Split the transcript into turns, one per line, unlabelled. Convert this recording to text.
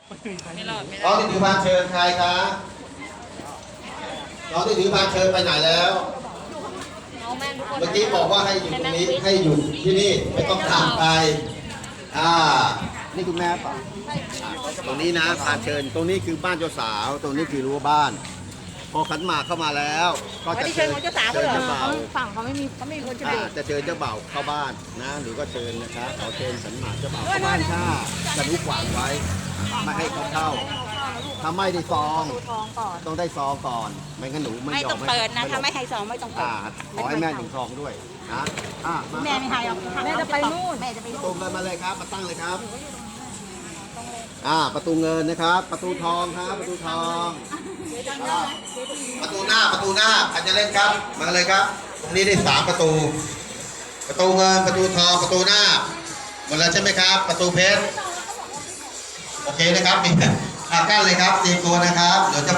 ไม่รอดไม่
น้
ร
อ
อง ด
ที่ถือพานเชิญใครคะน้องที่ถือพานเชิญไปไหนแล้ว
น้องแม่ทุกคน
เมื่อกี้บอกว่าให้อยู่ตรงนี้ให้อยู่ที่นี่ไม่ต้องตามไปนี่คุณแม่ป่ะตรงนี้นะพานเชิญตรงนี้คือบ้านเจ้าสาวตรงนี้คือรั้วบ้าน พอขันหมากเข้ามาแล้ว ก็จะเชิญเจ้าบ่าว
ฝั่งเขาไม่มีคนจะ
จะเชิญเจ้าบ่าวเข้าบ้านนะหรือก็เชิญนะครับขอเชิญขันหมากเจ้าบ่าวเข้าบ้านค่ะจะลุกขวางไว้ไม่ให้เขาเข้าถ้าไม่ได้ซองต้องได้ซองก่อนไม่งั้นหนูไม่ยอม
ไม่ต้องเปิดนะถ้าไม่ให้ซองไม่ต้องเปิด
ขอให้แม่ถึงซองด้วยนะมา
แม่ไม่ให้หรอกแม่จะไปนู่นแม่จะไป
ประตูเงินมาเลยครับมาตั้งเลยครับประตูเงินนะครับ ประตูทองครับประตูทองประตูหน้าใครจะเล่นครับมาเลยครับตรงนี้ได้3ประตูประตูเงินประตูทองประตูหน้าหมดแล้วใช่ไหมครับ ประตูเพชรโอเคนะครับนี่กั้นเลยครับเตรียมตัวนะครับเดี๋ยวจะ